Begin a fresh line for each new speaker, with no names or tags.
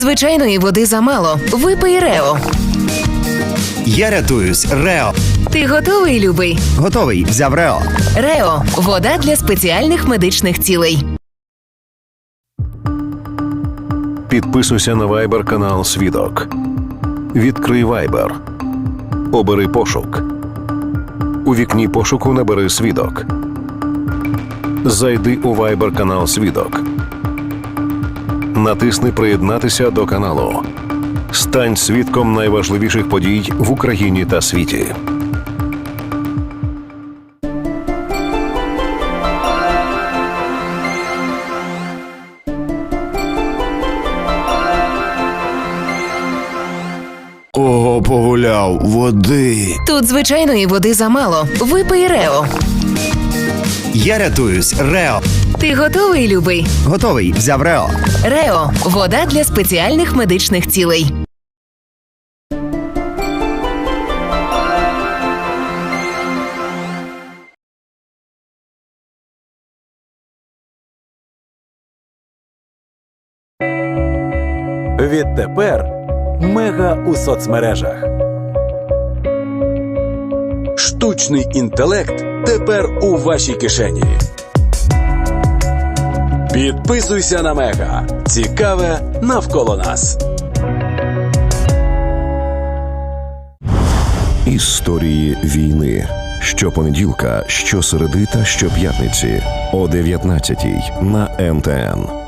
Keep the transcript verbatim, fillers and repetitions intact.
Звичайної води замало. Випий Рео.
Я рятуюсь. Рео.
Ти готовий, любий?
Готовий. Взяв Рео.
Рео – вода для спеціальних медичних цілей.
Підписуйся на Viber канал Свідок. Відкрий Viber. Обери пошук. У вікні пошуку набери Свідок. Зайди у Viber канал Свідок. Натисни «Приєднатися до каналу». Стань свідком найважливіших подій в Україні та світі.
Ого, погуляв. Води.
Тут звичайної води замало. Випий Рео.
Я рятуюсь. Рео.
Ти готовий, любий?
Готовий. Взяв Рео.
Рео – вода для спеціальних медичних цілей.
Відтепер Мега у соцмережах. Штучний інтелект тепер у вашій кишені. Підписуйся на Мега. Цікаве навколо нас.
Історії війни. Щопонеділка, щосереди та щоп'ятниці о дев'ятнадцятій на ем те ен.